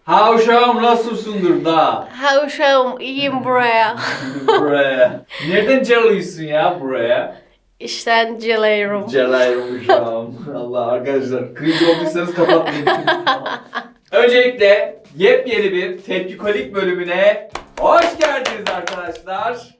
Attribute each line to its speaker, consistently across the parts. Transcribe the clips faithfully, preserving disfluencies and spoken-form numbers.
Speaker 1: Ha uşağım nasılsındır da?
Speaker 2: Ha uşağım iyiyim buraya.
Speaker 1: Buraya. Nereden çalıyorsun ya buraya?
Speaker 2: İşten geliyorum.
Speaker 1: Celayım uşağım. Allah arkadaşlar. Cringe olduysanız kapatmayın. Öncelikle yepyeni bir tepkikolik bölümüne hoş geldiniz arkadaşlar.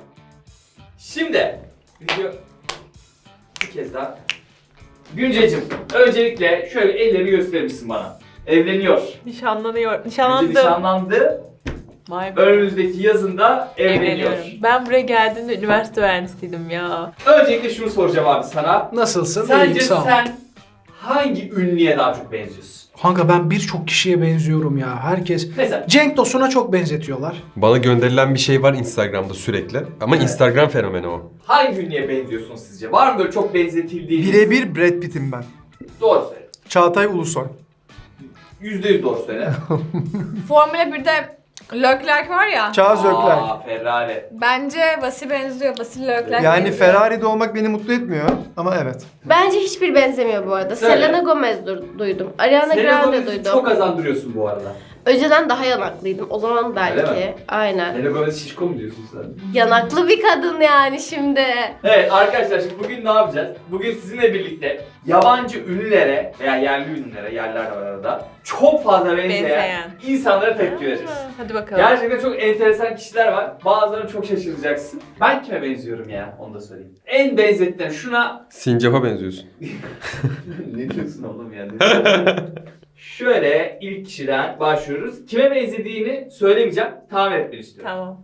Speaker 1: Şimdi video bir kez daha. Güncecim, öncelikle şöyle elleri gösterir misin bana? Evleniyor.
Speaker 3: Nişanlanıyor.
Speaker 1: Önce
Speaker 3: Nişanlandım.
Speaker 1: nişanlandı.
Speaker 3: Vay be.
Speaker 1: Önümüzdeki yazında evleniyor.
Speaker 3: Evleniyorum. Ben buraya geldiğimde üniversite öğrencisiydim ya.
Speaker 1: Öncelikle şunu soracağım abi sana.
Speaker 4: Nasılsın?
Speaker 1: Sence
Speaker 4: İyiyim, sağ ol.
Speaker 1: sen hangi ünlüye daha çok benziyorsun?
Speaker 4: Kanka ben birçok kişiye benziyorum ya. Herkes.
Speaker 1: Mesela
Speaker 4: Cenk Tosun'a çok benzetiyorlar.
Speaker 5: Bana gönderilen bir şey var Instagram'da sürekli. Ama
Speaker 1: Evet.
Speaker 5: Instagram fenomeni o.
Speaker 1: hangi ünlüye benziyorsun sizce? Var mı böyle çok benzetildiğiniz?
Speaker 6: Birebir Brad Pitt'im ben.
Speaker 1: Doğru söyle.
Speaker 6: Çağatay Ulusoy.
Speaker 1: Yüzde yüz doğru söyle.
Speaker 7: Formula birde Leclerc var ya.
Speaker 6: Charles Leclerc.
Speaker 1: Aa, Ferrari.
Speaker 7: Bence Vasile benziyor. Vasile Leclerc
Speaker 6: Yani
Speaker 7: benziyor.
Speaker 6: Ferrari'de olmak beni mutlu etmiyor ama evet.
Speaker 2: Bence hiçbir benzemiyor bu arada.
Speaker 1: Söyle.
Speaker 2: Selena Gomez du- duydum. Ariana
Speaker 1: Selena
Speaker 2: Grande
Speaker 1: Gomez'i
Speaker 2: duydum.
Speaker 1: çok azandırıyorsun bu arada.
Speaker 2: Önceden daha yanaklıydım. O zaman
Speaker 1: Öyle
Speaker 2: belki.
Speaker 1: mi?
Speaker 2: Aynen.
Speaker 1: Selena Gomez şişko mu diyorsun sen?
Speaker 2: Yanaklı bir kadın yani şimdi.
Speaker 1: Evet arkadaşlar şimdi bugün ne yapacağız? Bugün sizinle birlikte yabancı ünlülere veya yerli ünlülere, yerler var arada, çok fazla benzeyen,
Speaker 3: Benzeyen.
Speaker 1: insanlara tepki vereceğiz.
Speaker 3: Ha, Hadi bakalım.
Speaker 1: Gerçekten çok enteresan kişiler var. Bazılarını çok şaşıracaksın. Ben kime benziyorum ya? Onu da söyleyeyim. En benzettiğim şuna...
Speaker 5: Sincap'a benziyorsun.
Speaker 1: Ne diyorsun oğlum ya? Ne diyorsun? Şöyle ilk kişiden başlıyoruz. Kime benzediğini söylemeyeceğim. Tahmin etmeni istiyorum.
Speaker 3: Tamam.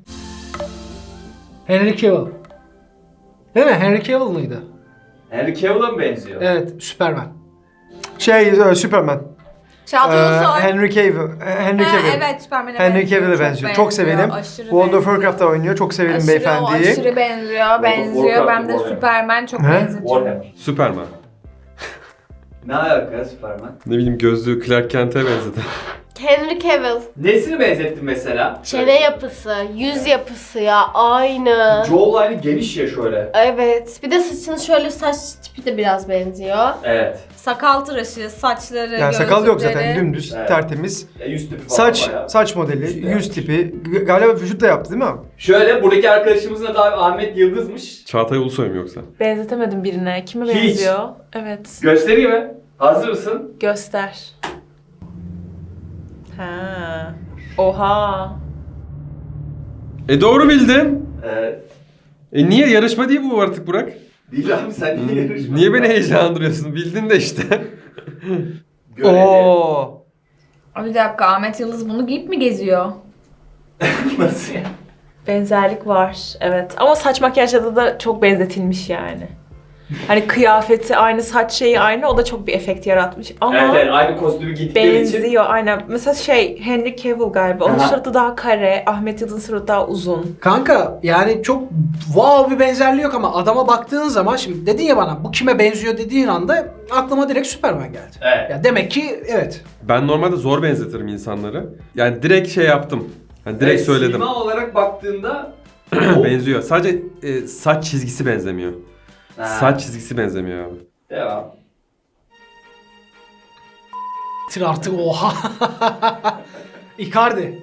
Speaker 4: Henry Cavill. Değil mi? Henry Cavill mıydı?
Speaker 1: Henry Cavill'a mı benziyor?
Speaker 4: Evet, Superman.
Speaker 6: Şey, e, Superman.
Speaker 7: Çağatay
Speaker 6: Ee,
Speaker 7: Ulusoy.
Speaker 6: Henry Cavill. e, Henry
Speaker 7: Ha,
Speaker 6: Cavill.
Speaker 7: evet Superman'e
Speaker 6: Henry
Speaker 7: benziyor.
Speaker 6: Cavill'e benziyor. Çok severim.
Speaker 7: Aşırı
Speaker 6: World of
Speaker 7: benziyor.
Speaker 6: Warcraft'ta oynuyor. Çok severim
Speaker 7: Aşırı,
Speaker 6: beyefendiyi.
Speaker 7: Aşırı benziyor,
Speaker 1: of
Speaker 7: benziyor.
Speaker 1: Warcraft,
Speaker 7: Ben de
Speaker 1: Warhammer.
Speaker 7: Superman çok
Speaker 6: He?
Speaker 7: benzetiyorum.
Speaker 1: Warhammer.
Speaker 5: Superman.
Speaker 1: Ne alaka Superman?
Speaker 5: Ne bileyim gözlüğü Clark Kent'e benzedi.
Speaker 2: Henry Cavill.
Speaker 1: Nesini benzettin mesela?
Speaker 2: Çene yapısı, yüz yapısı ya aynı.
Speaker 1: Jawline'ı geniş ya şöyle.
Speaker 2: Evet. Bir de saçının şöyle saç tipi de biraz benziyor.
Speaker 1: Evet.
Speaker 7: Sakal tıraşı, saçları,
Speaker 6: Yani sakal yok zaten
Speaker 7: gözlükleri.
Speaker 6: dümdüz,
Speaker 1: Evet.
Speaker 6: tertemiz.
Speaker 1: Ya yüz tipi falan
Speaker 6: Saç,
Speaker 1: bayağı.
Speaker 6: saç modeli,
Speaker 1: Vücut da
Speaker 6: yüz
Speaker 1: yapmış.
Speaker 6: tipi. G- Galiba vücut da yaptı değil mi abi?
Speaker 1: Şöyle buradaki arkadaşımızın adı abi Ahmet Yıldız'mış.
Speaker 5: Çağatay Ulusoy mu yoksa?
Speaker 3: Benzetemedim birine. Kime
Speaker 1: Hiç.
Speaker 3: benziyor? Evet.
Speaker 1: Göstereyim mi? Hazır mısın?
Speaker 3: Göster. Ha. Oha.
Speaker 5: E doğru bildin.
Speaker 1: Evet.
Speaker 5: E niye yarışma değil bu artık Burak?
Speaker 1: Değil abi sen niye yarışmadın?
Speaker 5: Niye beni heyecanlandırıyorsun? Bildin de işte.
Speaker 1: Göreli.
Speaker 6: Oo.
Speaker 7: Abi bir dakika, Ahmet Yıldız bunu giyip mi geziyor?
Speaker 1: Nasıl ya?
Speaker 3: Benzerlik var. Evet. Ama saç makyajda da çok benzetilmiş yani. Hani kıyafeti aynı, saç şeyi aynı. O da çok bir efekt yaratmış. Ama
Speaker 1: Evet, evet aynı kostümü giydikleri için.
Speaker 3: benziyor aynen. Mesela şey Henry Cavill galiba. Onun
Speaker 1: Aha.
Speaker 3: suratı daha kare. Ahmet Yıldız'ın suratı daha uzun.
Speaker 4: Kanka yani çok wow bir benzerliği yok ama adama baktığın zaman şimdi dedin ya bana bu kime benziyor dediğin anda aklıma direkt Superman geldi.
Speaker 1: Evet.
Speaker 4: Ya demek ki evet.
Speaker 5: Ben normalde zor benzetirim insanları. Yani direkt şey yaptım. Hani direkt
Speaker 1: Evet,
Speaker 5: söyledim.
Speaker 1: Sima olarak baktığında
Speaker 5: Benziyor. Sadece e, saç çizgisi benzemiyor.
Speaker 1: Ha,
Speaker 5: Saç çizgisi benzemiyor abi.
Speaker 1: Devam.
Speaker 4: Tir artık oha. Icardi.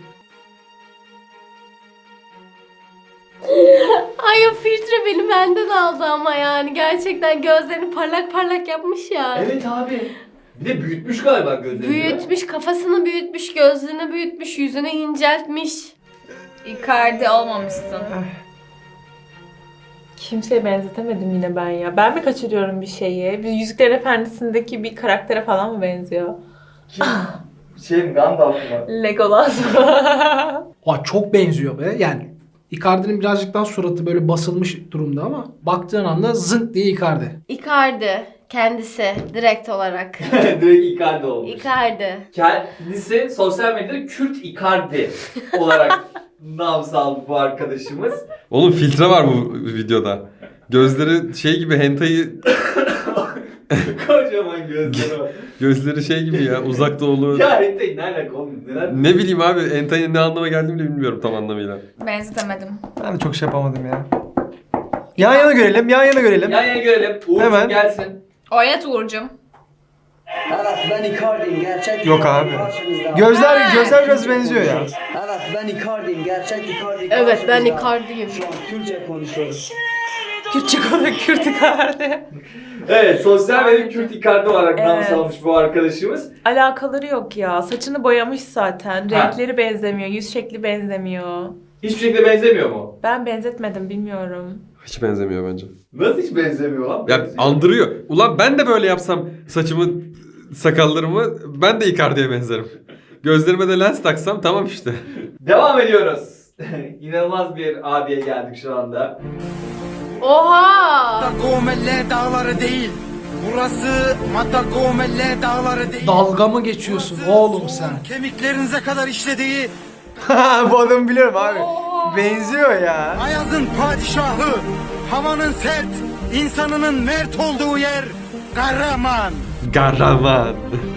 Speaker 2: Ay o filtre beni benden aldı ama yani. Gerçekten gözlerini parlak parlak yapmış ya.
Speaker 1: Evet abi. Bir de büyütmüş galiba gözlerini.
Speaker 2: Büyütmüş, kafasını büyütmüş, gözlerini büyütmüş, yüzünü inceltmiş.
Speaker 7: Icardi olmamışsın.
Speaker 3: Kimseye benzetemedim yine ben ya. Ben mi kaçırıyorum bir şeyi? Bir Yüzüklerin Efendisi'ndeki bir karaktere falan mı benziyor?
Speaker 1: Kim? Şey mi? Gandalf mı?
Speaker 3: Legolas.
Speaker 4: Aa, çok benziyor be. Yani Icardi'nin birazcık daha suratı böyle basılmış durumda ama baktığın anda zınk diye Icardi.
Speaker 2: Icardi kendisi direkt olarak.
Speaker 1: Direkt Icardi olmuş.
Speaker 2: Icardi.
Speaker 1: Kendisi sosyal medyada Kürt Icardi olarak nam saldı bu arkadaşımız.
Speaker 5: Oğlum filtre var bu videoda. Gözleri şey gibi hentai'yi
Speaker 1: Kocaman gözleri var.
Speaker 5: gözleri şey gibi ya uzak doğulu.
Speaker 1: Ya Hentai ne alaka oğlum? Neler?
Speaker 5: Ne bileyim abi hentai'nin ne anlama geldiğini bile bilmiyorum tam anlamıyla.
Speaker 7: Benzetemedim.
Speaker 6: Ben de çok şey yapamadım ya. Yan yana görelim, yan yana görelim.
Speaker 1: Yan yana görelim. Uğur'cum
Speaker 6: Hemen.
Speaker 1: gelsin.
Speaker 7: Oynat Uğur'cum.
Speaker 8: Evet ben Icardi'yim gerçek
Speaker 6: Yok
Speaker 8: Icardi
Speaker 6: abi.
Speaker 8: karşınızda.
Speaker 6: Gözler gözler biraz benziyor ya.
Speaker 8: Evet ben Icardi'yim gerçek Icardi
Speaker 2: Evet, ben
Speaker 8: karşınızda.
Speaker 2: Icardi'yim.
Speaker 8: Şu an Türkçe konuşuyorum.
Speaker 3: Kürtçe konu Kürt Icardi.
Speaker 1: Evet, sosyal medya Kürt Icardi olarak nam
Speaker 3: Evet.
Speaker 1: salmış bu arkadaşımız.
Speaker 3: Alakaları yok ya. Saçını boyamış zaten.
Speaker 1: Ha.
Speaker 3: Renkleri benzemiyor. Yüz şekli benzemiyor.
Speaker 1: Hiçbir şekilde benzemiyor mu?
Speaker 3: Ben benzetmedim bilmiyorum.
Speaker 5: Hiç benzemiyor bence.
Speaker 1: Nasıl hiç benzemiyor lan?
Speaker 5: Ya
Speaker 1: Benziyor.
Speaker 5: andırıyor. Ulan ben de böyle yapsam saçımı, sakallarımı ben de Icardi'ye benzerim. Gözlerime de lens taksam tamam işte.
Speaker 1: Devam ediyoruz. İnanılmaz bir abiye geldik şu anda.
Speaker 2: Oha!
Speaker 9: Matagomelle dağları değil. Burası Matagomelle dağları değil.
Speaker 4: Dalga mı geçiyorsun oğlum sen?
Speaker 9: Kemiklerinize kadar işlediği
Speaker 6: Bu adamı biliyorum abi. Benziyor ya.
Speaker 9: Ayaz'ın padişahı. Havanın sert, insanının mert olduğu yer. Kahraman.
Speaker 5: Kahraman.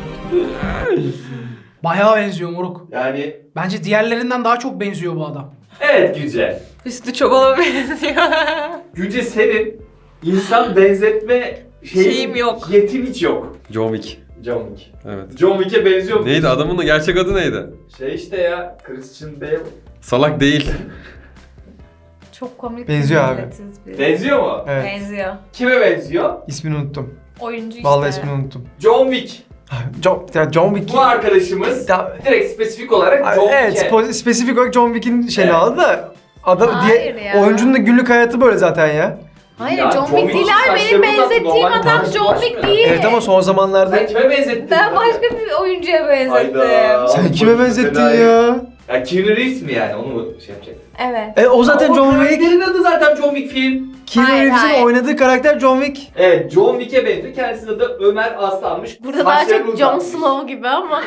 Speaker 4: Bayağı benziyor moruk.
Speaker 1: Yani
Speaker 4: Bence diğerlerinden daha çok benziyor bu adam.
Speaker 1: evet Gülce.
Speaker 3: Üstü çobala benziyor.
Speaker 1: Gülce senin insan benzetme şeyin,
Speaker 3: Şeyim yok.
Speaker 1: yetin hiç yok.
Speaker 5: John Wick.
Speaker 1: John Wick.
Speaker 5: Evet.
Speaker 1: John Wick'e benziyor mu?
Speaker 5: Neydi adamın da gerçek adı neydi?
Speaker 1: Şey işte ya, Christian Bale.
Speaker 5: Salak değil.
Speaker 7: Çok komik.
Speaker 6: Benziyor
Speaker 7: bir
Speaker 6: abi.
Speaker 7: milletiz biz.
Speaker 1: Benziyor mu?
Speaker 6: Evet.
Speaker 7: Benziyor.
Speaker 1: Kime benziyor?
Speaker 6: İsmini unuttum.
Speaker 7: Oyuncu işte.
Speaker 6: Vallahi ismini unuttum.
Speaker 1: John Wick.
Speaker 6: John, ya John Wick.
Speaker 1: Bu arkadaşımız
Speaker 6: Ya-
Speaker 1: direkt spesifik olarak John
Speaker 6: Evet,
Speaker 1: Wick'e.
Speaker 6: spo- spesifik olarak John Wick'in şeyini
Speaker 1: Evet.
Speaker 6: aldı da adam
Speaker 7: Hayır
Speaker 6: diye
Speaker 7: ya.
Speaker 6: oyuncunun da günlük hayatı böyle zaten ya.
Speaker 2: Hayır,
Speaker 1: Ya,
Speaker 2: John
Speaker 1: John
Speaker 2: Wick değil
Speaker 1: Wick'in
Speaker 2: abi. Benim
Speaker 1: saçları uzatma,
Speaker 2: benzettiğim
Speaker 1: normal
Speaker 2: adam
Speaker 1: tarzı
Speaker 2: John Wick
Speaker 1: başmıyor.
Speaker 2: değil.
Speaker 6: Evet ama son zamanlarda
Speaker 1: Sen kime benzettin?
Speaker 7: Ben başka bir oyuncuya benzettim.
Speaker 1: Hayda.
Speaker 6: sen kime benzettin
Speaker 1: Fena
Speaker 6: ya?
Speaker 1: Ya Keanu Reeves mi yani? Onu mu şey yapacak?
Speaker 7: Evet.
Speaker 6: E o zaten
Speaker 1: Ama
Speaker 6: John
Speaker 1: o
Speaker 6: Wick.
Speaker 1: karakterin adı zaten John Wick film.
Speaker 6: Keanu
Speaker 7: Hayır,
Speaker 6: Reeves'in
Speaker 7: hayır.
Speaker 6: oynadığı karakter John Wick.
Speaker 1: Evet, John Wick'e benziyor. Kendisinin adı Ömer Aslan'mış.
Speaker 2: Burada daha
Speaker 1: Saçlarını
Speaker 2: çok Jon
Speaker 1: uzatmış.
Speaker 2: Snow gibi ama.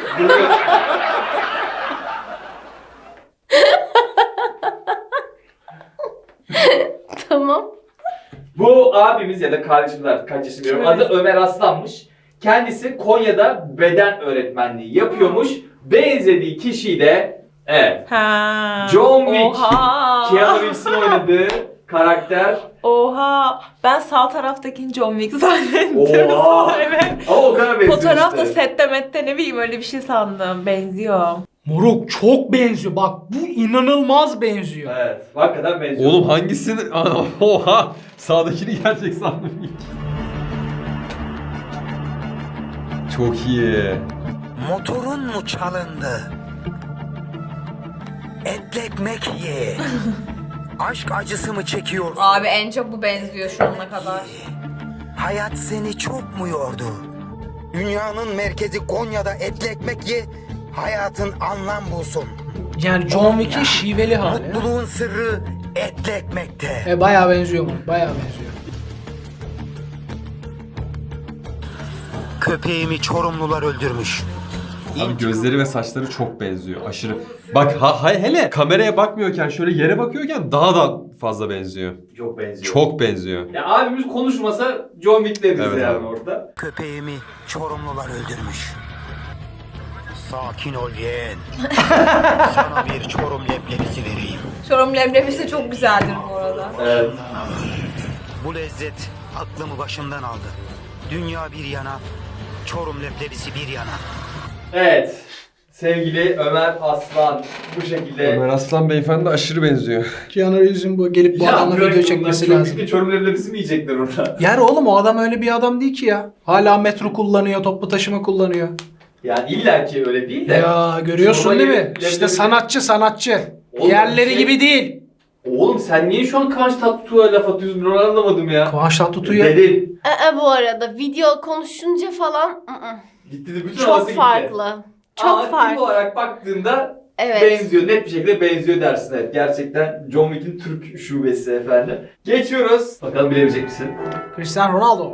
Speaker 2: Tamam.
Speaker 1: Bu abimiz ya da kardeşimiz artık kaç yaşında bilmiyorum. Adı Ömer Aslan'mış. Kendisi Konya'da beden öğretmenliği yapıyormuş. Benzediği kişi de evet.
Speaker 3: Ha.
Speaker 1: John Wick.
Speaker 3: Oha.
Speaker 1: Keanu Reeves'in oynadığı karakter.
Speaker 3: Oha. Ben sağ taraftaki John Wick zannettim.
Speaker 1: Oha.
Speaker 3: Evet.
Speaker 1: Ama o kadar benziyor
Speaker 3: Fotoğrafta
Speaker 1: işte.
Speaker 3: sette mette ne bileyim öyle bir şey sandım. Benziyor.
Speaker 4: Moruk çok benziyor. Bak bu inanılmaz benziyor.
Speaker 1: Evet. Hakikaten benziyor.
Speaker 5: Oğlum hangisini? Oha! Sağdakini gerçek sandım ilk. Çok iyi.
Speaker 9: Motorun mu çalındı? Etli ekmek ye. Aşk acısı mı çekiyorsun?
Speaker 7: Abi en çok bu benziyor şu ana kadar.
Speaker 9: Hayat seni çok mu yordu? Dünyanın merkezi Konya'da etli ekmek ye. Hayatın anlam bulsun.
Speaker 4: Yani John Wick'in şiveli hali.
Speaker 9: Mutluluğun sırrı etli ekmekte.
Speaker 4: E bayağı benziyor moruk. Bayağı benziyor.
Speaker 9: Köpeğimi Çorumlular öldürmüş.
Speaker 5: Abi gözleri ve saçları çok benziyor. Aşırı. Bak ha, ha- hele kameraya bakmıyorken şöyle yere bakıyorken daha da fazla benziyor.
Speaker 1: Çok benziyor.
Speaker 5: Çok benziyor.
Speaker 1: Ya abimiz konuşmasa John Wick deriz
Speaker 5: Evet
Speaker 1: yani
Speaker 5: abi.
Speaker 1: orada.
Speaker 9: Köpeğimi Çorumlular öldürmüş. Sakin ol yeğen. Sana bir Çorum leblebisi vereyim.
Speaker 7: Çorum leblebisi çok güzeldir bu arada.
Speaker 1: Evet.
Speaker 9: Bu lezzet aklımı başımdan aldı. Dünya bir yana, Çorum leblebisi bir yana.
Speaker 1: Evet. Sevgili Ömer Aslan bu şekilde.
Speaker 5: Ömer Aslan beyefendi aşırı benziyor.
Speaker 4: Keanu Reeves'in bu gelip bu adamla
Speaker 1: bırak
Speaker 4: video
Speaker 1: bunlar,
Speaker 4: çekmesi
Speaker 1: çok
Speaker 4: lazım.
Speaker 1: büyük Çorum leblebisi mi yiyecekler orada?
Speaker 4: Yani oğlum o adam öyle bir adam değil ki ya. Hala metro kullanıyor, toplu taşıma kullanıyor.
Speaker 1: Yani illa ki öyle değil de.
Speaker 4: Ya görüyorsun
Speaker 1: Çorba
Speaker 4: değil mi?
Speaker 1: yiyip
Speaker 4: İşte
Speaker 1: leblebi-
Speaker 4: sanatçı sanatçı.
Speaker 1: Oğlum,
Speaker 4: Diğerleri
Speaker 1: şey-
Speaker 4: gibi değil.
Speaker 1: Oğlum sen niye şu an Kıvanç Tatlıtuğ'a laf atıyorsun ben onu anlamadım ya.
Speaker 4: Kıvanç Tatlıtuğ'ya
Speaker 1: Dedin.
Speaker 2: Ee, bu arada video konuşunca falan ı-ı.
Speaker 1: Gitti de bütün
Speaker 2: çok
Speaker 1: havası gitti.
Speaker 2: farklı. Çok
Speaker 1: Ama tip
Speaker 2: farklı.
Speaker 1: olarak baktığında
Speaker 2: Evet.
Speaker 1: benziyor. Net bir şekilde benziyor dersin. Evet, gerçekten John Wick'in Türk şubesi efendim. Geçiyoruz. Bakalım bilebilecek misin?
Speaker 4: Cristiano Ronaldo.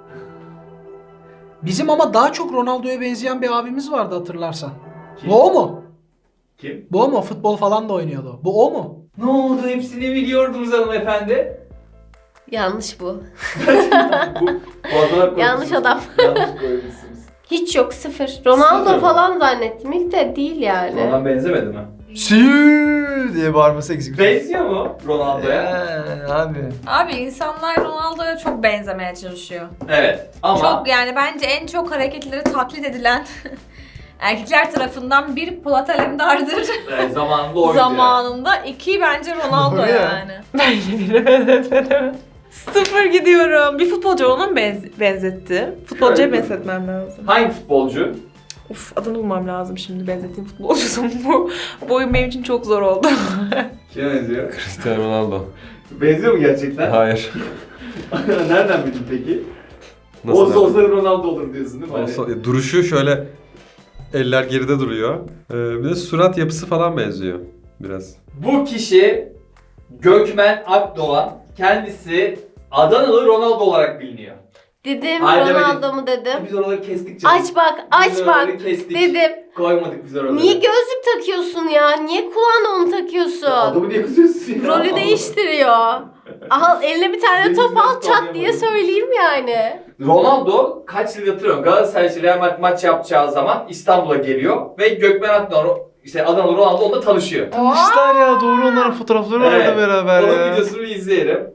Speaker 4: Bizim ama daha çok Ronaldo'ya benzeyen bir abimiz vardı hatırlarsan.
Speaker 1: Kim?
Speaker 4: Bu o mu?
Speaker 1: Kim?
Speaker 4: Bu o mu? Futbol falan da oynuyordu. Bu o mu?
Speaker 1: Ne oldu? Hepsini biliyordunuz hanımefendi.
Speaker 2: Yanlış bu.
Speaker 1: bu fotoğraf
Speaker 2: Yanlış
Speaker 1: koymuşsunuz.
Speaker 2: adam.
Speaker 1: Yanlış koymuşsunuz.
Speaker 2: Hiç yok, sıfır. Ronaldo
Speaker 1: Sıfır mı?
Speaker 2: falan zannettim ilk de değil yani.
Speaker 1: Ondan benzemedi mi?
Speaker 6: Süüü diye bağırması eksik.
Speaker 1: Benziyor mu Ronaldo'ya?
Speaker 6: Ee, abi.
Speaker 7: Abi insanlar Ronaldo'ya çok benzemeye çalışıyor.
Speaker 1: Evet. Ama
Speaker 7: Çok yani bence en çok hareketleri taklit edilen erkekler tarafından bir Polat Alemdar'dır.
Speaker 1: e, zamanında oydu.
Speaker 7: Zamanında. iki bence Ronaldo
Speaker 6: Doğru ya.
Speaker 7: yani.
Speaker 3: Ben yine benzetmedim. Sıfır gidiyorum. Bir futbolcu ona mı benz- benzetti? Futbolcuya
Speaker 1: Şöyle.
Speaker 3: benzetmem lazım.
Speaker 1: Hangi futbolcu?
Speaker 3: Uf, adını bulmam lazım şimdi benzettiğim futbolcusun bu. Bu oyun benim için çok zor oldu.
Speaker 1: Kime benziyor?
Speaker 5: Cristiano Ronaldo.
Speaker 1: Benziyor mu gerçekten?
Speaker 5: Hayır.
Speaker 1: Nereden bildin peki?
Speaker 5: Nasıl
Speaker 1: Olsa
Speaker 5: yani?
Speaker 1: olsa Ronaldo olur diyorsun değil mi? Hani-
Speaker 5: Olsa- e, duruşu şöyle eller geride duruyor. Ee, bir de surat yapısı falan benziyor biraz.
Speaker 1: Bu kişi Gökmen Akdoğan. Kendisi Adanalı Ronaldo olarak biliniyor.
Speaker 2: Dedim
Speaker 1: Hayır,
Speaker 2: Ronaldo
Speaker 1: demedim.
Speaker 2: mu dedim.
Speaker 1: Biz oraları kestik canım.
Speaker 2: Aç bak,
Speaker 1: Biz
Speaker 2: aç bak
Speaker 1: oraları kestik.
Speaker 2: dedim.
Speaker 1: Koymadık biz oraları.
Speaker 2: Niye gözlük takıyorsun ya? Niye kulağına onu takıyorsun?
Speaker 1: Adamı niye kızıyorsun ya?
Speaker 2: Rolü değiştiriyor. Al eline bir tane
Speaker 1: Deniz
Speaker 2: top al
Speaker 1: Mesut
Speaker 2: çat
Speaker 1: anlayamadım.
Speaker 2: diye söyleyeyim yani.
Speaker 1: Ronaldo kaç yıl hatırlıyorum Galatasaray ile Real Madrid maç yapacağı zaman İstanbul'a geliyor ve Gökmen Akdoğan işte Adanalı Ronaldo onunla tanışıyor.
Speaker 6: Tanıştılar ya, doğru, onların fotoğrafları var
Speaker 1: Evet.
Speaker 6: orada beraber
Speaker 1: Onun
Speaker 6: ya.
Speaker 1: videosunu bir izleyelim.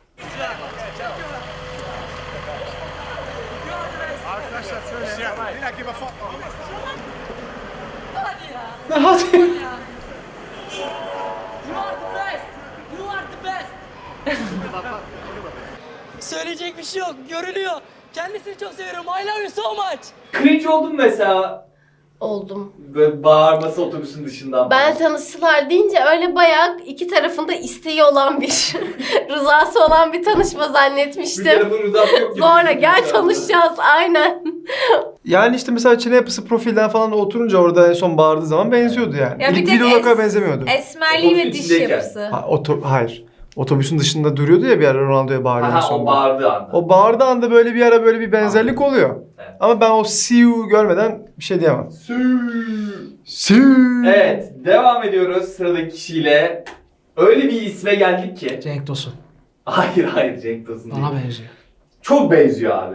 Speaker 8: Söyleyecek bir şey yok. Görülüyor. Kendisini çok seviyorum. I love you so much.
Speaker 1: Cringe oldum mesela.
Speaker 2: Oldum.
Speaker 1: Böyle bağırması otobüsün dışından.
Speaker 2: Ben tanıştılar deyince öyle bayağı iki tarafında isteği olan bir, rızası olan bir tanışma
Speaker 1: bir
Speaker 2: zannetmiştim.
Speaker 1: telefon rızası yok gibi.
Speaker 2: Sonra gel tanışacağız aynen.
Speaker 6: Yani işte mesela çene yapısı profilden falan oturunca orada en son bağırdığı zaman benziyordu yani.
Speaker 7: Ya bir
Speaker 6: İlk
Speaker 7: tek
Speaker 6: videoda o kadar
Speaker 7: es-
Speaker 6: benzemiyordu.
Speaker 7: Esmerliği ve
Speaker 1: Otobüsün
Speaker 7: diş
Speaker 1: içindeyken.
Speaker 7: yapısı.
Speaker 6: Ha, oto- hayır. Otobüsün dışında duruyordu ya bir ara Ronaldo'ya bağırıyor en
Speaker 1: Aha o
Speaker 6: sonunda.
Speaker 1: bağırdığı anda.
Speaker 6: O bağırdığı anda böyle bir ara böyle bir benzerlik oluyor.
Speaker 1: Evet.
Speaker 6: Ama ben o see you görmeden bir şey diyemem. See you.
Speaker 1: Evet, devam ediyoruz sıradaki kişiyle. Öyle bir isme geldik ki.
Speaker 4: Cenk Tosun.
Speaker 1: Hayır hayır Cenk Tosun değil.
Speaker 4: Bana benziyor.
Speaker 1: Çok benziyor abi.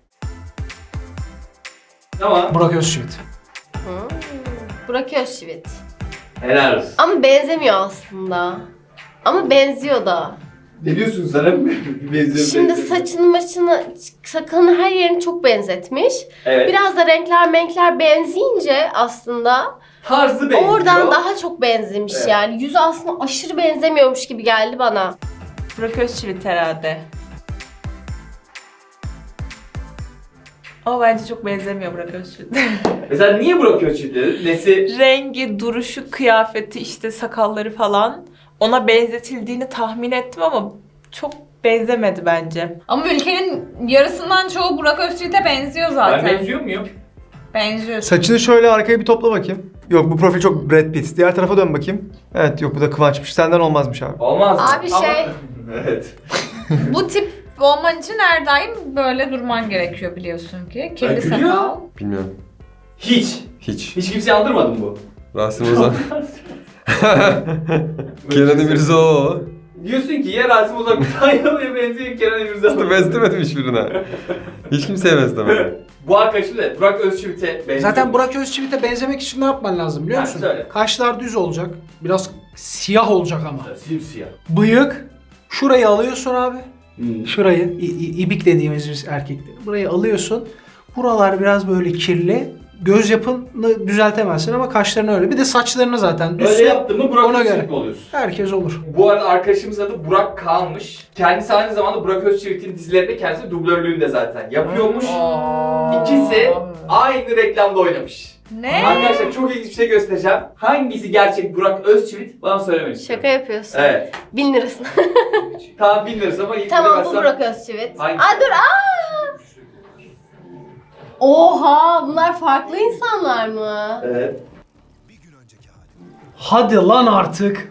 Speaker 1: Tamam.
Speaker 4: Burak Özçivit.
Speaker 2: Hmm. Burak Özçivit.
Speaker 1: Helal olsun.
Speaker 2: Ama benzemiyor aslında. Ama benziyor da.
Speaker 1: Ne diyorsun sana? benziyor,
Speaker 2: Şimdi
Speaker 1: benziyor.
Speaker 2: saçını maçını, sakalını her yerini çok benzetmiş.
Speaker 1: Evet.
Speaker 2: Biraz da renkler menkler benzeyince aslında
Speaker 1: Tarzı benziyor.
Speaker 2: oradan daha çok benzemiş
Speaker 1: Evet.
Speaker 2: yani. Yüzü aslında aşırı benzemiyormuş gibi geldi bana.
Speaker 3: Burak Özçivit herhalde. Ama bence çok benzemiyor Burak Özçivit.
Speaker 1: Mesela niye bırakıyor çiftleri? Nesi?
Speaker 3: Rengi, duruşu, kıyafeti, işte sakalları falan ona benzetildiğini tahmin ettim ama çok benzemedi bence.
Speaker 7: Ama ülkenin yarısından çoğu Burak Özçivit'e benziyor zaten.
Speaker 1: Ben benziyor muyum?
Speaker 7: Benziyor.
Speaker 6: Saçını şöyle arkaya bir topla bakayım. Yok, bu profil çok Brad Pitt. Diğer tarafa dön bakayım. Evet, yok, bu da Kıvanç'mış. Senden olmazmış abi.
Speaker 1: Olmaz mı?
Speaker 2: Abi
Speaker 1: Ama-
Speaker 2: şey-
Speaker 1: evet.
Speaker 7: Bu tip olman için her daim böyle durman gerekiyor biliyorsun ki. Kirli
Speaker 1: Ya gülüyor.
Speaker 7: sakal.
Speaker 5: Bilmiyorum.
Speaker 1: Hiç.
Speaker 5: Hiç.
Speaker 1: Hiç kimseyi andırmadı mı bu?
Speaker 5: Rasim Ozan. Kenan İmirzalıoğlu.
Speaker 1: Diyorsun ki ya Rasim Ozan Kütahyalı'ya benziyor Kenan İmirzalıoğlu.
Speaker 5: İşte benzemedim hiçbirine. Hiç kimseye benzemedim.
Speaker 1: Bu arkadaşım da Burak Özçivit'e benziyor.
Speaker 4: Zaten Burak Özçivit'e benzemek için ne yapman lazım biliyor
Speaker 1: Ha,
Speaker 4: musun?
Speaker 1: söyle.
Speaker 4: Kaşlar düz olacak. Biraz siyah olacak ama.
Speaker 1: Simsiyah.
Speaker 4: Bıyık. Şurayı alıyorsun abi.
Speaker 1: Hmm.
Speaker 4: Şurayı, i- i- ibik dediğimiz biz erkekler. Burayı alıyorsun. Buralar biraz böyle kirli. Göz yapını düzeltemezsin ama kaşlarını öyle. Bir de saçlarını zaten düz.
Speaker 1: Öyle yaptın mı Burak
Speaker 4: ona
Speaker 1: Özçivit
Speaker 4: göre.
Speaker 1: mi oluyorsun?
Speaker 4: Herkes olur.
Speaker 1: Bu arada arkadaşımızın adı Burak Kaan'mış. Kendisi aynı zamanda Burak Özçivit'in dizilerinde kendisi dublörlüğünü de zaten yapıyormuş. İkisi aynı reklamda oynamış.
Speaker 7: Ne?
Speaker 1: Arkadaşlar çok ilginç bir şey göstereceğim. Hangisi gerçek Burak Özçivit bana söylemek istiyorum.
Speaker 2: Şaka yapıyorsun.
Speaker 1: Evet.
Speaker 2: Bin lirasını.
Speaker 1: Tamam bilmiyoruz ama ilk
Speaker 2: Tamam bu
Speaker 1: bilemezsem-
Speaker 2: Burak Özçivit.
Speaker 1: Hangisi?
Speaker 2: Aa dur aa! Oha bunlar farklı insanlar mı?
Speaker 1: Evet.
Speaker 4: Hadi lan artık.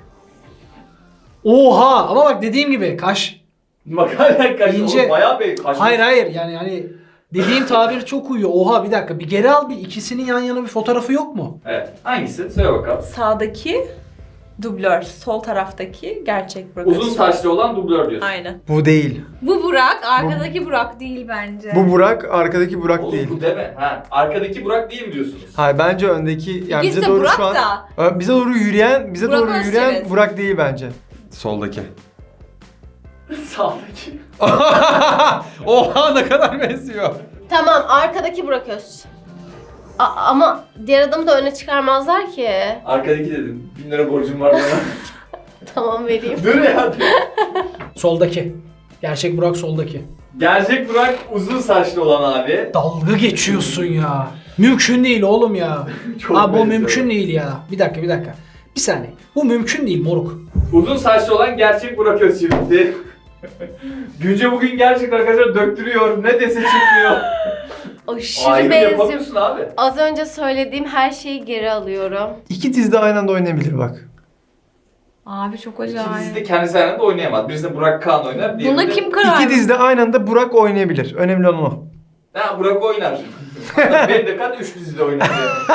Speaker 4: Oha! Ama bak dediğim gibi kaş.
Speaker 1: Makale kaç
Speaker 4: İnce-
Speaker 1: oğlum bayağı bir kaç.
Speaker 4: Hayır hayır yani hani dediğim tabir çok uyuyor. Oha bir dakika bir geri al, bir ikisinin yan yana bir fotoğrafı yok mu?
Speaker 1: Evet. Hangisi? Söyle bakalım.
Speaker 3: Sağdaki Dublör. Sol taraftaki gerçek Burak
Speaker 1: Uzun
Speaker 3: Özçivit.
Speaker 1: saçlı olan dublör diyorsun.
Speaker 3: Aynen.
Speaker 6: Bu değil.
Speaker 7: Bu Burak, arkadaki Burak değil bence.
Speaker 6: Bu Burak, arkadaki Burak
Speaker 1: Oğlum
Speaker 6: değil.
Speaker 1: bu deme. Ha, arkadaki Burak değil mi diyorsunuz?
Speaker 6: Hayır bence öndeki yani
Speaker 7: İkisi
Speaker 6: bize
Speaker 7: de
Speaker 6: doğru
Speaker 7: Burak
Speaker 6: şu an
Speaker 7: da.
Speaker 6: Ö, bize doğru yürüyen, bize
Speaker 7: Burak
Speaker 6: doğru yürüyen
Speaker 7: Özçivit.
Speaker 6: Burak değil bence.
Speaker 5: Soldaki.
Speaker 1: Sağdaki.
Speaker 5: Oha ne kadar benziyor.
Speaker 2: Tamam, arkadaki Burak Öz. A- ama diğer adamı da öne çıkarmazlar ki.
Speaker 1: Arkadaki dedim. Bin lira borcum var bana.
Speaker 2: Tamam, vereyim.
Speaker 1: Dur ya dur.
Speaker 4: Soldaki. Gerçek Burak soldaki.
Speaker 1: Gerçek Burak uzun saçlı olan abi.
Speaker 4: Dalga geçiyorsun ya. Mümkün değil oğlum ya.
Speaker 1: Çok
Speaker 4: Abi bu
Speaker 1: benziyor.
Speaker 4: mümkün değil ya. Bir dakika bir dakika. Bir saniye. Bu mümkün değil moruk.
Speaker 1: Uzun saçlı olan gerçek Burak Özçivit'ti. Günce bugün gerçekten arkadaşlar döktürüyor. Ne dese çıkmıyor.
Speaker 2: Aşırı
Speaker 1: Ayrım
Speaker 2: benziyor.
Speaker 1: yapamıyorsun abi.
Speaker 2: Az önce söylediğim her şeyi geri alıyorum.
Speaker 6: İki dizide aynı anda oynayabilir bak.
Speaker 7: Abi çok
Speaker 1: İkisi de
Speaker 7: acayip.
Speaker 1: kendisi aynı anda oynayamaz. Birisinde Burak Kaan oynar.
Speaker 7: Buna
Speaker 1: diğerinde-
Speaker 7: kim karar
Speaker 6: İki dizide aynı anda Burak oynayabilir. Önemli olan o.
Speaker 1: Ha Burak oynar. Hatta benim de kat üç dizide oynar.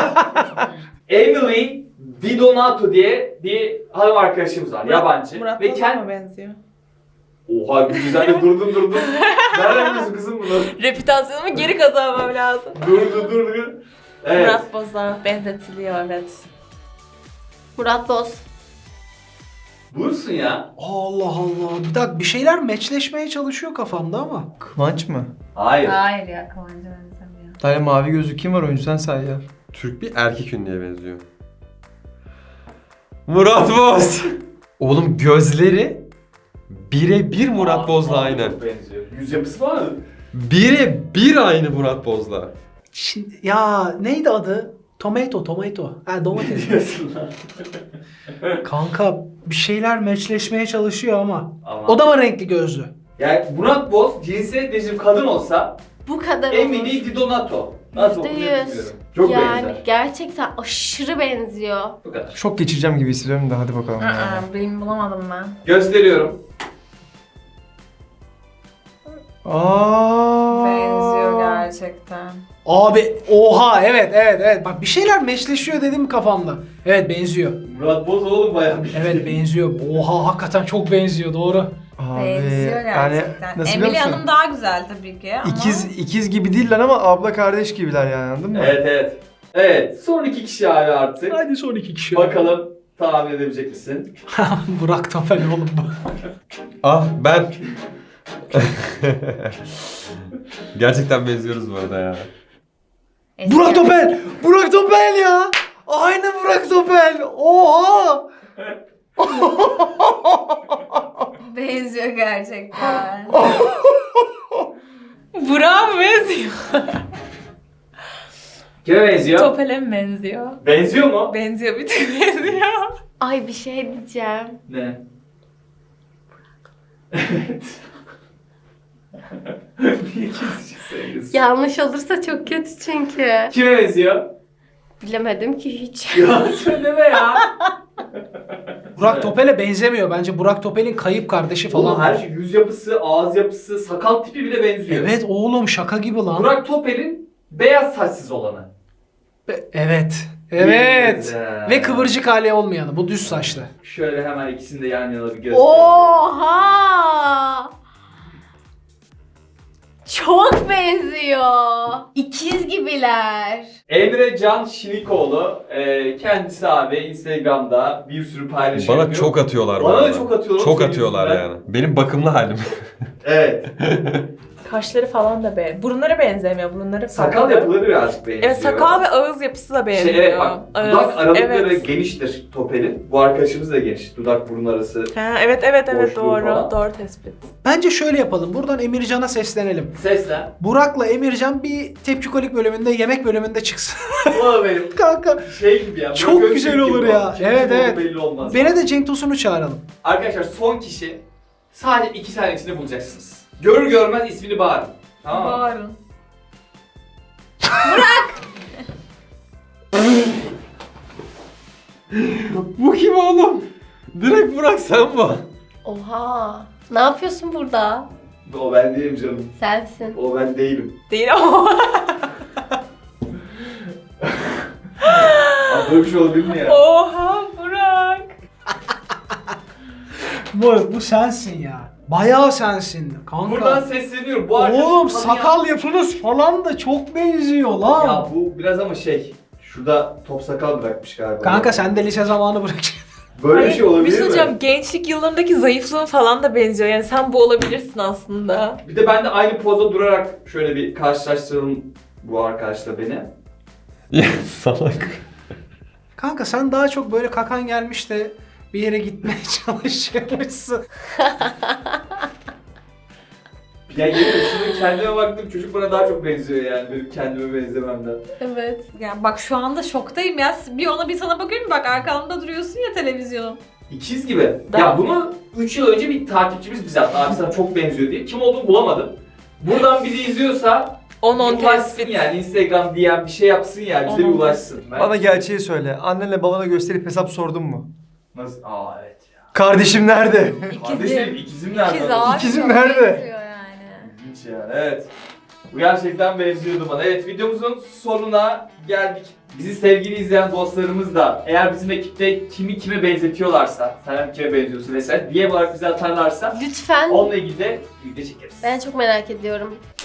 Speaker 1: Emily Di Donato diye bir hanım arkadaşımız var. Yabancı.
Speaker 3: Murat
Speaker 1: Ve
Speaker 3: Boz'a
Speaker 1: kendi...
Speaker 3: mı benziyor?
Speaker 1: Oha güzel de durdun durdun. Nereden biliyorsun kızım bunu?
Speaker 3: Reputasyonumu geri kazanmam lazım.
Speaker 1: Durdu durdu. Evet.
Speaker 3: Murat Boz'a benzetiliyor evet.
Speaker 2: Murat Boz.
Speaker 1: Buyursun ya.
Speaker 4: Allah Allah. Bir dakika bir şeyler meçleşmeye çalışıyor kafamda ama.
Speaker 6: Kıvanç mı?
Speaker 1: Hayır.
Speaker 7: Hayır ya Kıvancı benzemiyor.
Speaker 6: Bir tane mavi gözlü kim var oyuncu sen say ya.
Speaker 5: Türk bir erkek ünlüye benziyor. Murat Boz. Oğlum gözleri birebir Murat
Speaker 1: Aa,
Speaker 5: Boz'la
Speaker 1: aa,
Speaker 5: aynı.
Speaker 1: çok benziyor. Yüz yapısı var mı?
Speaker 5: Birebir aynı Murat Boz'la.
Speaker 4: Şimdi ya neydi adı? Tomato, tomato. Ha domates.
Speaker 1: Diyorsun lan.
Speaker 4: Kanka bir şeyler meçleşmeye çalışıyor ama.
Speaker 1: Ama.
Speaker 4: O da mı renkli gözlü?
Speaker 1: Yani Murat Boz cinsiyet değişim kadın olsa
Speaker 2: Bu kadar
Speaker 1: Emily
Speaker 2: olur.
Speaker 1: Di Donato. Nasıl
Speaker 2: Yüzde
Speaker 1: okunuyor
Speaker 2: yüz.
Speaker 1: bilmiyorum. Çok
Speaker 2: Yani
Speaker 1: benzer.
Speaker 2: gerçekten aşırı benziyor.
Speaker 1: Bu kadar.
Speaker 6: Şok geçireceğim gibi hissediyorum da hadi bakalım. ya.
Speaker 7: Aa, benim bulamadım ben.
Speaker 1: Gösteriyorum.
Speaker 6: Aa.
Speaker 7: Benziyor gerçekten.
Speaker 4: Abi oha evet evet evet. Bak bir şeyler meçleşiyor dedim kafamda. Evet benziyor.
Speaker 1: Murat Boz oğlum bayağı bir.
Speaker 4: Evet benziyor. Oha hakikaten çok benziyor doğru.
Speaker 6: Abi,
Speaker 7: Benziyor
Speaker 6: yani
Speaker 7: gerçekten.
Speaker 6: nasıl
Speaker 7: Emily
Speaker 6: biliyor musun?
Speaker 7: Hanım daha güzel tabii ki ama.
Speaker 6: İkiz, ikiz gibi değiller ama abla kardeş gibiler yani anladın mı?
Speaker 1: Evet evet. Evet son iki kişi abi artık.
Speaker 4: Hadi son iki kişi.
Speaker 1: Bakalım tahmin edebilecek misin?
Speaker 4: Burak Topel oğlum bu.
Speaker 5: Ah ben. Gerçekten benziyoruz bu arada ya.
Speaker 7: Eski-
Speaker 4: Burak Topel! Burak Topel ya! Aynı Burak Topel! Oha!
Speaker 7: Benziyor gerçekten.
Speaker 3: Burak'a mı benziyor?
Speaker 1: Kime benziyor?
Speaker 3: Topel'e mi benziyor?
Speaker 1: Benziyor mu?
Speaker 3: Benziyor bir tık benziyor.
Speaker 2: Ay bir şey diyeceğim.
Speaker 1: Ne? Evet. Niye kesişi söylüyorsun?
Speaker 2: Yanlış olursa çok kötü çünkü.
Speaker 1: Kime benziyor?
Speaker 2: Bilemedim ki hiç.
Speaker 1: Ya söyleme ya.
Speaker 4: Burak Topel'e benzemiyor. Bence Burak Topel'in kayıp kardeşi falan.
Speaker 1: Oğlum her şey yüz yapısı, ağız yapısı, sakal tipi bile benziyor.
Speaker 4: Evet oğlum şaka gibi lan.
Speaker 1: Burak Topel'in beyaz saçsız olanı.
Speaker 4: Be- Evet. Evet.
Speaker 1: Güzel.
Speaker 4: Ve kıvırcık hali olmayanı. Bu düz saçlı.
Speaker 1: Şöyle hemen ikisini de yan yana bir göstereyim.
Speaker 2: Oha! Çok benziyor. İkiz gibiler.
Speaker 1: Emre Can Şinikoğlu, e, kendisi abi Instagram'da bir sürü paylaşım
Speaker 5: Bana
Speaker 1: yapıyor.
Speaker 5: çok atıyorlar bu
Speaker 1: Bana da
Speaker 5: arada.
Speaker 1: çok atıyorlar.
Speaker 5: Çok
Speaker 1: senin
Speaker 5: atıyorlar
Speaker 1: yüzünden.
Speaker 5: yani. Benim bakımlı halim.
Speaker 1: Evet.
Speaker 3: Kaşları falan da be. Burunları benzemiyor. Burunları
Speaker 1: Sakal
Speaker 3: farklı.
Speaker 1: yapıları birazcık benziyor.
Speaker 3: Evet sakal ve ağız yapısı da benziyor.
Speaker 1: Şey, evet bak
Speaker 3: Ağız,
Speaker 1: dudak aralıkları
Speaker 3: evet.
Speaker 1: geniştir Topel'in. Bu arkadaşımız da geniş. Dudak burun arası.
Speaker 3: Ha, evet evet evet
Speaker 1: Boşluğu
Speaker 3: doğru.
Speaker 1: falan.
Speaker 3: Doğru tespit.
Speaker 4: Bence şöyle yapalım. Buradan Emircan'a seslenelim.
Speaker 1: Seslen.
Speaker 4: Burak'la Emircan bir tepkikolik bölümünde, yemek bölümünde çıksın.
Speaker 1: Ulan benim
Speaker 4: Kanka.
Speaker 1: şey gibi ya.
Speaker 4: Çok
Speaker 1: Burak
Speaker 4: güzel
Speaker 1: Özçivit
Speaker 4: olur
Speaker 1: gibi
Speaker 4: ya.
Speaker 1: olmuş. Kim
Speaker 4: Evet,
Speaker 1: olduğu
Speaker 4: evet.
Speaker 1: Belli olmaz.
Speaker 4: Beni de Cenk Tosun'u çağıralım.
Speaker 1: Arkadaşlar son kişi sadece iki saniye içinde bulacaksınız. Görür görmez ismini bağırın. Tamam mı?
Speaker 7: Bağırın.
Speaker 5: Bu kim oğlum? Direkt Burak sen bu.
Speaker 2: Oha! Ne yapıyorsun burada?
Speaker 1: O ben değilim canım.
Speaker 2: Sensin.
Speaker 1: O ben değilim.
Speaker 3: Değil ama.
Speaker 1: Abi böyle bir şey olabilir mi ya?
Speaker 3: Oha Burak.
Speaker 4: Bu, bu sensin ya. Bayağı sensin kanka.
Speaker 1: Buradan sesleniyorum. Bu arkadaşı
Speaker 4: Oğlum
Speaker 1: tanıyan-
Speaker 4: sakal yapınız falan da çok benziyor lan.
Speaker 1: Ya bu biraz ama şey. Şurada top sakal bırakmış galiba.
Speaker 4: Kanka sen de lise zamanı bırakacaksın.
Speaker 1: Böyle bir şey olabilir
Speaker 3: Bir şey
Speaker 1: mi?
Speaker 3: söyleyeceğim, gençlik yıllarındaki zayıflığın falan da benziyor. Yani sen bu olabilirsin aslında.
Speaker 1: Bir de ben de aynı pozda durarak şöyle bir karşılaştıralım bu arkadaşla beni.
Speaker 5: Ya salak.
Speaker 4: Kanka sen daha çok böyle kakan gelmiş de bir yere gitmeye çalışıyormuşsun.
Speaker 1: Ya yemin ederim şimdi kendime baktım çocuk bana daha çok benziyor yani benim kendime benzememden.
Speaker 2: Evet.
Speaker 7: Yani bak şu anda şoktayım ya. Bir ona bir sana bakıyorum, bak arkamda duruyorsun ya televizyonun.
Speaker 1: İkiz gibi.
Speaker 3: Daha-
Speaker 1: Ya bunu üç yıl önce bir takipçimiz bize attı. Abi sana çok benziyor diye. Kim olduğunu bulamadım. Buradan biri izliyorsa
Speaker 3: on on
Speaker 1: bir ulaşsın
Speaker 3: tespit.
Speaker 1: yani. Instagram D M bir şey yapsın yani. Bize bir
Speaker 3: on on
Speaker 1: ulaşsın. Ben...
Speaker 6: Bana gerçeği söyle. Annenle babana gösterip hesap sordun mu?
Speaker 1: Nasıl? Aa evet ya.
Speaker 6: Kardeşim nerede?
Speaker 1: Kardeşim ikizim nerede?
Speaker 7: İkiz abi.
Speaker 6: İkizim
Speaker 7: çok
Speaker 6: nerede?
Speaker 7: benziyor yani.
Speaker 1: İlginç yani evet. Bu gerçekten benziyordu bana. Evet videomuzun sonuna geldik. Bizi sevgili izleyen dostlarımız da eğer bizim ekipte kimi kime benzetiyorlarsa, sen kime benziyorsun vesaire diye olarak bize atarlarsa
Speaker 2: Lütfen.
Speaker 1: onunla ilgili de video çekeriz.
Speaker 2: Ben çok merak ediyorum.